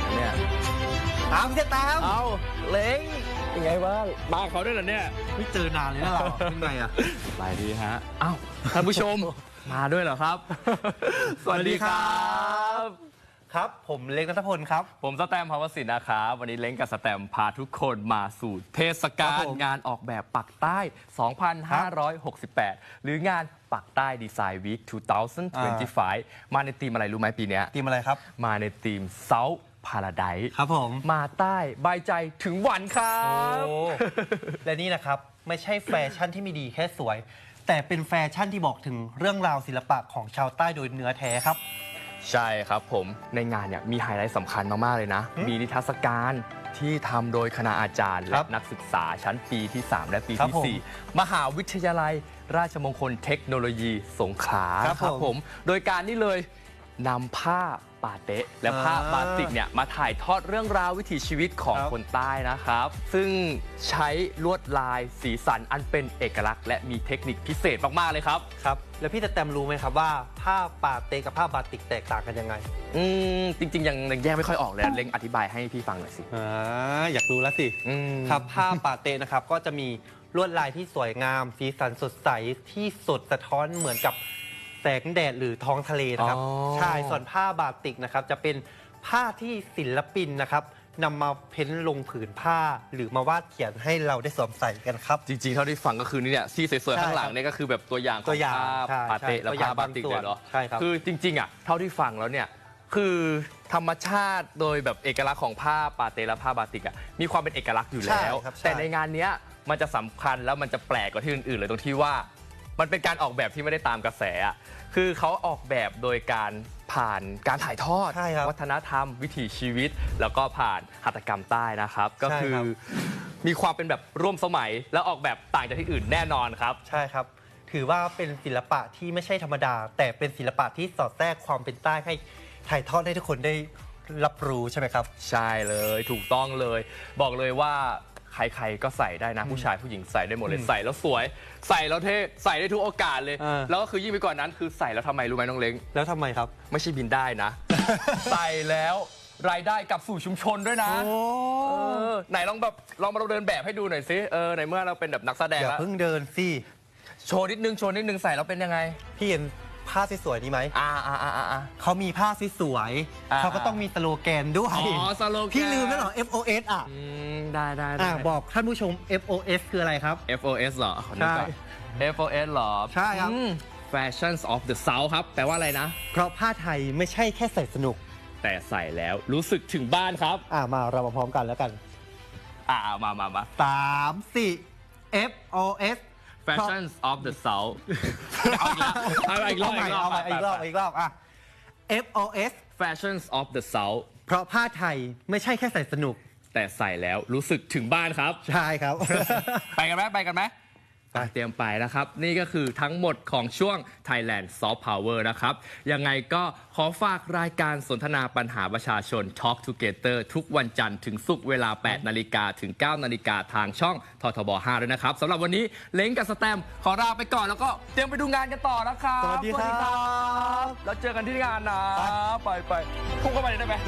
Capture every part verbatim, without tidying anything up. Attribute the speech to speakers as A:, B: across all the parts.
A: เนี่ย
B: ตามจะตาม
A: เอาเล้งยังไงบ้างมาเขาด้วยเหรอเนี่ย
B: ไม่เจอนานเลยนะเราเป็นไงอ่ะ
A: สบายดีฮะอ้าวท่านผู้ชมมาด้วยเหรอครับสวัสดีครับ
B: ครับผมเล้งณัฐพลครับ
A: ผมสแตมภาวศิลป์นะครับวันนี้เล้งกับสแตมพาทุกคนมาสู่เทศกาลงานออกแบบปักใต้ สองพันห้าร้อยหกสิบแปด หรืองานปักใต้ดีไซน์วีค สองพันยี่สิบห้า มาในธีมอะไรรู้ไหมปีนี้
B: ธีมอะไรครับ
A: มาในธีม South Paradise
B: ครับผม
A: มาใต้ใบใจถึงหวันครับ
B: และนี่นะครับไม่ใช่แฟชั่นที่ไม่ดีแค่สวยแต่เป็นแฟชั่นที่บอกถึงเรื่องราวศิลปะของชาวใต้โดยเนื้อแท้ครับ
A: ใช่ครับผมในงานเนี่ยมีไฮไลท์สำคัญมากๆเลยนะมีนิทรรศการที่ทำโดยคณาอาจารย์และนักศึกษาชั้นปีที่สามและปีที่สี่มหาวิทยาลัยราชมงคลเทคโนโลยีสงขลาครับผมโดยการนี่เลยนำผ้าปาเต๊ะและผ้าบาติกเนี่ยมาถ่ายทอดเรื่องราววิถีชีวิตของคนใต้นะครับซึ่งใช้ลวดลายสีสันอันเป็นเอกลักษณ์และมีเทคนิคพิเศษมากๆเลยครับ
B: ครับแล้วพี่แตมรู้ไหมครับว่าผ้าปาเต๊ะกับผ้าบาติกแตกต่างกันยังไง
A: อืมจริงๆยังแยกไม่ค่อยออกเลยเล้งอธิบายให้พี่ฟังหน่อยสิ
B: อ่าอยากรู้แล้วสิครับผ้าปาเต๊ะนะครับก็จะมีลวดลายที่สวยงามสีสันสดใสที่สดสะท้อนเหมือนกับแสงแดดหรือท้องทะเลนะครับใช่ส่วนผ้าบาติกนะครับจะเป็นผ้าที่ศิลปินนะครับนำมาเพ้นลงผืนผ้าหรือมาวาดเขียนให้เราได้สวมใส่กันครับ
A: จริงๆเท่าที่ฟังก็คือนี่เนี่ยที่สวยๆข้างหลังนี่ก็คือแบบตัวอย่างของผ้าปาเต๊ะและผ้าบาติกเลยเหรอ
B: ใช่ครับ
A: คือจริงๆอ่ะเท่าที่ฟังแล้วเนี่ยคือธรรมชาติโดยแบบเอกลักษณ์ของผ้าปาเต๊ะและผ้าบาติกอ่ะมีความเป็นเอกลักษณ์อยู่แล้วแต่ในงานนี้มันจะสำคัญแล้วมันจะแปลกกว่าที่อื่นๆเลยตรงที่ว่ามันเป็นการออกแบบที่ไม่ได้ตามกระแสคือเขาออกแบบโดยการผ่านการถ่ายทอดวัฒนธรรมวิถีชีวิตแล้วก็ผ่านหัตถกรรมใต้นะครับก็คือมีความเป็นแบบร่วมสมัยและออกแบบต่างจากที่อื่นแน่นอนครับ
B: ใช่ครับถือว่าเป็นศิลปะที่ไม่ใช่ธรรมดาแต่เป็นศิลปะที่สอดแทรกความเป็นใต้ให้ถ่ายทอดให้ทุกคนได้รับรู้ใช่ไหมครับ
A: ใช่เลยถูกต้องเลยบอกเลยว่าใครๆก็ใส่ได้นะผู้ชายผู้หญิงใส่ได้หมดเลยใส่แล้วสวยใส่แล้วเท่ใส่ได้ทุกโอกาสเลยแล้วก็คือยิ่งไปกว่านั้นคือใส่แล้วทำไมรู้ไหมน้องเล้ง
B: แล้วทำไมครับ
A: ไม่ใช่บินได้นะ ใส่แล้วรายได้กลับสู่ชุมชนด้วยนะไหนลองแบบลองมาเราเดินแบบให้ดูหน่อยสิเออในเมื่อเราเป็นแบบนักแสดง
B: แล้วอย่าเพิ่งเดินสิ
A: โชว์นิดนึงโชว์นิดนึงใส่แล้วเป็นยังไง
B: พี่เห็นผ้าสวยๆนี่ไหม
A: อ่าอ่าอ่าอ่า
B: เขามีผ้าสวยๆเขาก็ต้องมีสโลแกนด้วย
A: อ๋อสโลแกน
B: พี่ลืมแล้วเหรอ เอฟ โอ เอส อ่ะ
A: ได้ได้
B: อ่าบอกท่านผู้ชม เอฟ โอ เอส คืออะไรครับ
A: เอฟ โอ เอส เหรอใช่ เอฟ โอ เอส เหรอ
B: ใช่ครับ
A: Fashions of the South ครับแปลว่าอะไรนะ
B: เพราะผ้าไทยไม่ใช่แค่ใส่สนุก
A: แต่ใส่แล้วรู้สึกถึงบ้านครับ
B: อ่ามาเรามาพร้อมกันแล้วกัน
A: อ่ามามามา
B: สามสี่ เอฟ โอ เอส
A: Fashions of the South เอาอีกแล้วเอาอีกรอบ
B: เอาใหม่อีกรอบอีกรอบอ่ะ เอฟ โอ เอส
A: Fashions of the South
B: เพราะผ้าไทยไม่ใช่แค่ใส่สนุก
A: แต่ใส่แล้วรู้สึกถึงบ้านครับ
B: ใช่ครับ
A: ไปกันไหมไปกันไหมเตรียมไปนะครับนี่ก็คือทั้งหมดของช่วง Thailand Soft Power นะครับยังไงก็ขอฝากรายการสนทนาปัญหาประชาชน Talk Together ทุกวันจันทร์ถึงศุกร์เวลา แปดนาฬิกาถึง เก้านาฬิกาทางช่องททบห้าด้วยนะครับสำหรับวันนี้เล้งกับสแตมขอลาไปก่อนแล้วก็เตรียมไปดูงานกันต่อนะครับ
B: สวัสดีครับ
A: แล้วเจอกันที่งานนะไปไปพุ่งเข้าไปได้ไหม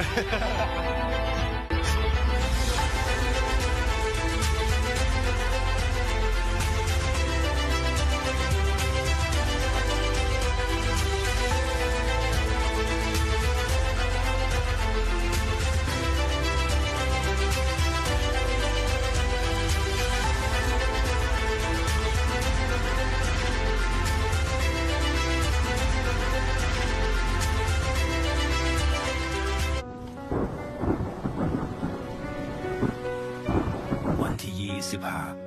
C: สิบห้า